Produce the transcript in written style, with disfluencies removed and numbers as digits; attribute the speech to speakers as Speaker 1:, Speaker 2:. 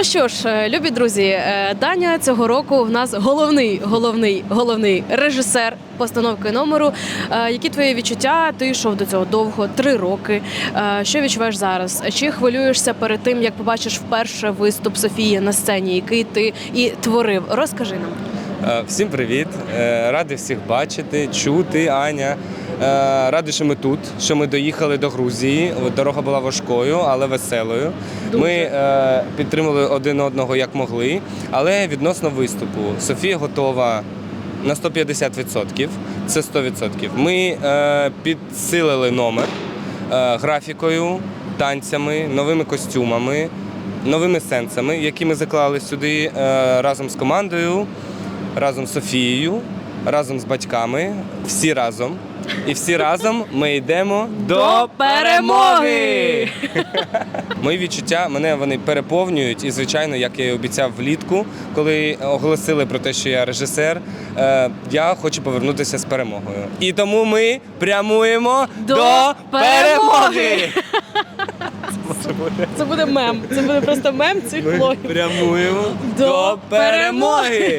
Speaker 1: що ж, любі друзі, Даня цього року в нас головний режисер постановки номеру. Які твої відчуття? Ти йшов до цього довго, 3 роки. Що відчуваєш зараз? Чи хвилюєшся перед тим, як побачиш вперше виступ Софії на сцені, який ти і творив? Розкажи нам.
Speaker 2: Всім привіт! Радий всіх бачити, чути, Аня. Радий, що ми тут, що ми доїхали до Грузії. Дорога була важкою, але веселою.
Speaker 1: Дуже.
Speaker 2: Ми підтримали один одного як могли, але відносно виступу. Софія готова на 150%, це 100%. Ми підсилили номер графікою, танцями, новими костюмами, новими сенсами, які ми заклали сюди разом з командою, разом з Софією, разом з батьками, всі разом. І всі разом ми йдемо до перемоги! Мої відчуття, мене вони переповнюють. І, звичайно, як я і обіцяв влітку, коли оголосили про те, що я режисер, я хочу повернутися з перемогою. І тому ми прямуємо до перемоги!
Speaker 1: Це буде мем. Це буде просто мем цих
Speaker 2: Ми
Speaker 1: влогів.
Speaker 2: прямуємо
Speaker 1: До
Speaker 2: до перемоги!